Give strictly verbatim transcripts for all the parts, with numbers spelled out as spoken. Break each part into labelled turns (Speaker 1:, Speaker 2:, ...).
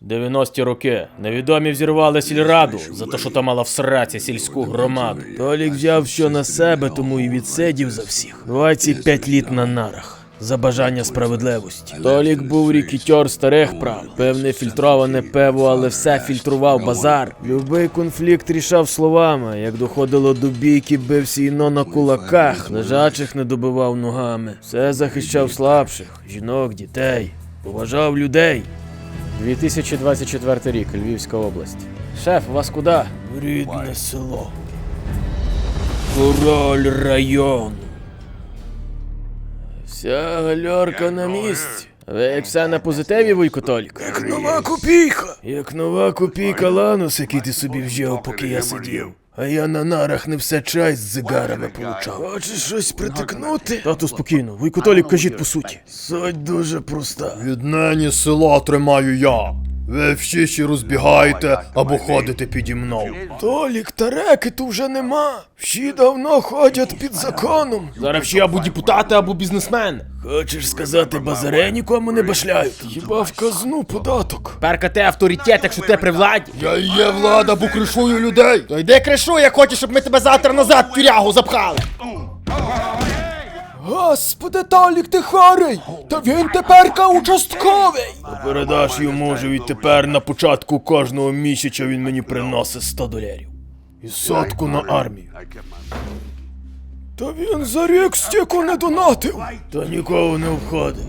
Speaker 1: дев'яності роки. Невідомі взірвали сільраду за те, що та мала в сраці сільську громаду. Толік взяв все на себе, тому і відсидів за всіх. двадцять п'ять літ на нарах. За бажання справедливості. Толік був рікетьор старих прав. Певне фільтроване пиво, але все фільтрував базар. Любий конфлікт рішав словами. Як доходило до бійки, бився іно на кулаках. Лежачих не добивав ногами. Все захищав слабших. Жінок, дітей. Поважав людей. дві тисячі двадцять четвертий рік. Львівська область. Шеф, вас куди? В рідне село. Король району. Вся гальорка на місці. Ви як все на позитиві, Вуйко Толік? Як нова копійка. Як нова копійка ланус, який ти собі вжив, поки я сидів. А я на нарах не все чай з зигарами получав. Хочеш щось притикнути? Тату, спокійно. Вуйко Толік, кажіть по суті. Суть дуже проста.
Speaker 2: Віднині село тримаю я. Ви всі ще розбігаєте або ходите піді мною.
Speaker 1: Толік, та рекету вже нема. Всі давно ходять під законом. Зараз всі або депутати, або бізнесмени. Хочеш сказати, базаре нікому не башляють? Хіба в казну податок? Перка ти авторитет, якщо ти при владі.
Speaker 2: Я і є влада, бо кришую людей.
Speaker 3: То йди кришуй, як хочеш, щоб ми тебе завтра назад в тюрягу запхали.
Speaker 1: Господи, Толік, ти хворий! Та він теперка участковий! Передаш йому, що відтепер на початку кожного місяця він мені приносить сто доларів. І сотку на армію. Та він за рік стільки не донатив. Та нікого не обходить.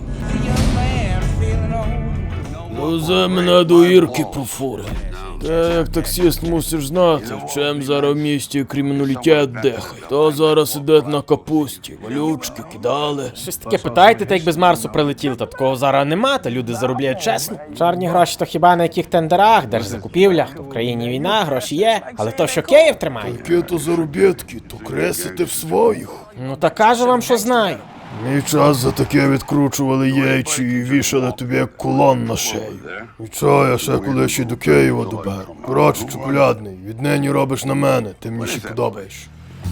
Speaker 1: Везе мене до Ірки по фури. Ти як таксист мусиш знати, в чим зараз в місті криміналітет дихає. То зараз іде на капусті, валючки кидали. Щось таке питаєте, та як без Марсу прилетіли, та такого зараз нема, та люди заробляють чесно. Чорні гроші то хіба на яких тендерах, держзакупівлях, то в країні війна, гроші є, але то що Київ тримає.
Speaker 2: Такі то заробітки, то кресите в своїх.
Speaker 1: Ну та кажу вам, що знаю.
Speaker 2: Мій час за таке відкручували яйчі і вішали тобі як кулон на шею. І чого я ще коли ще до Києва доберу. Коротше, чоколядний, віднині робиш на мене, ти мені ще подобаєш.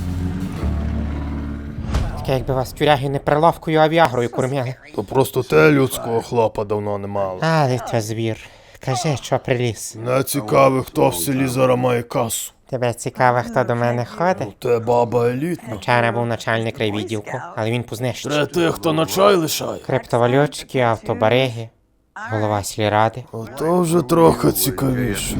Speaker 3: Таке, якби вас тюряги не приловкою, а віагрою кормяли.
Speaker 2: То просто те людського хлопа давно не мало.
Speaker 3: Але то звір. Кажи, що приліз.
Speaker 2: Не цікавий, хто в селі зараз має касу.
Speaker 3: Тебе цікаво, хто до мене ходить?
Speaker 2: Те баба елітна.
Speaker 3: Вчора був начальник райвідділку, але він познищив.
Speaker 1: Тре тих, хто на чай лишає.
Speaker 3: Криптовалютчики, автобариги, голова сільради.
Speaker 2: Ото вже трохи цікавіше.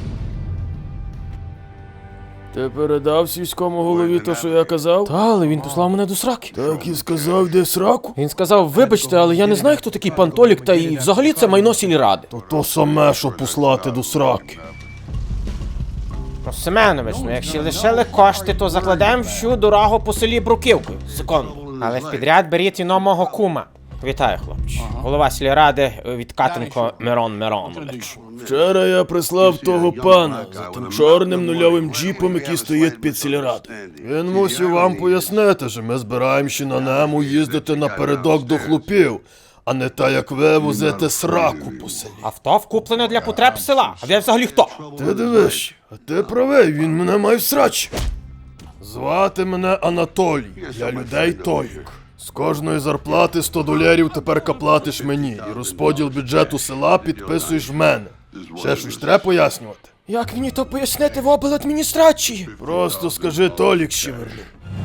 Speaker 1: Ти передав сільському голові то, що я казав? Та, але він послав мене до сраки.
Speaker 2: Так і сказав, де сраку?
Speaker 1: Він сказав, вибачте, але я не знаю, хто такий пан Толік, та і взагалі це майно сільради.
Speaker 2: То то саме, що послати до сраки.
Speaker 3: Ну, Семенович, ну якщо лишили кошти, то закладемо всю дорогу по селі бруківкою. Секунду. Але в підряд беріть іно мого кума. Вітаю, хлопці. Голова сільради Відкатенко Мирон Миронович.
Speaker 1: Вчора я прислав того пана за тим чорним нульовим джіпом, який стоїть під сільрадою.
Speaker 2: Він мусив вам пояснити, що ми збираємося на ньому їздити напередок до хлопів, а не та, як ви возите сраку по селі.
Speaker 3: Авто вкуплене для потреб села. А ви взагалі хто?
Speaker 2: Ти дивиш, а ти правий, він мене має в срачі. Звати мене Анатолій, я людей Толік. З кожної зарплати сто доларів тепер платиш мені, і розподіл бюджету села підписуєш в мене. Ще щось треба пояснювати?
Speaker 1: Як мені то пояснити в обладміністрації?
Speaker 2: Просто скажи, Толік ще вернув.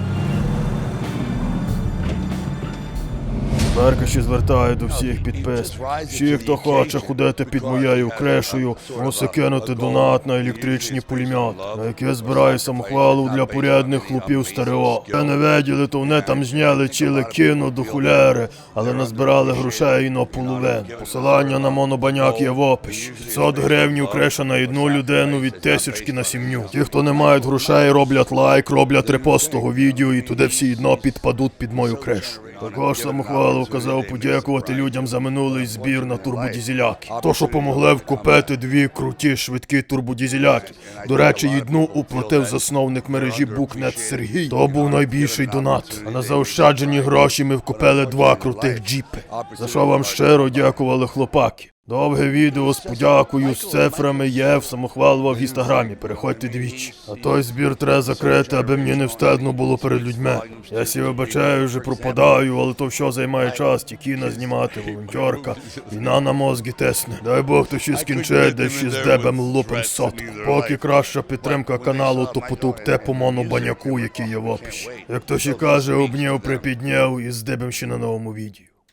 Speaker 2: Берка ще звертає до всіх підписників. Всі, хто хоче ходити під моєю крешею, мусить кинути донат на електричні пулемети, на які збирає самохвалу для порядних хлопів стерео. Ви не виділи, то вони там зняли ціле кіно до хуляри, але назбирали грошей і на половину. Посилання на монобаняк є в описі. п'ятсот гривень креша на одну людину від тисячки на сім'ю. Ті, хто не мають грошей, роблять лайк, роблять репост того відео і туди всі одно підпадуть під мою крешу. Також самохвалу казав подякувати людям за минулий збір на турбодізеляки. То, що помогли вкупити дві круті швидкі турбодізеляки. До речі, одну уплатив засновник мережі Букнет Сергій. То був найбільший донат. А на заощаджені гроші ми вкупили два крутих джіпи. За що вам щиро дякували хлопаки. Довге відео з подякою, з цифрами є в самохвалова в інстаграмі, переходьте двічі. А той збір треба закрити, аби мені не встидно було перед людьми. Я сі вибачаю, вже пропадаю, але то все займає час, ті кіна знімати, волонтерка, війна на мозги тисне. Дай Бог то ще скінчить, де ще з дебем лупим сотку. Поки краща підтримка каналу, то потукте по мону баняку, який є в описі. Як то ще каже, обняв, припідняв і з дебем ще на новому відео.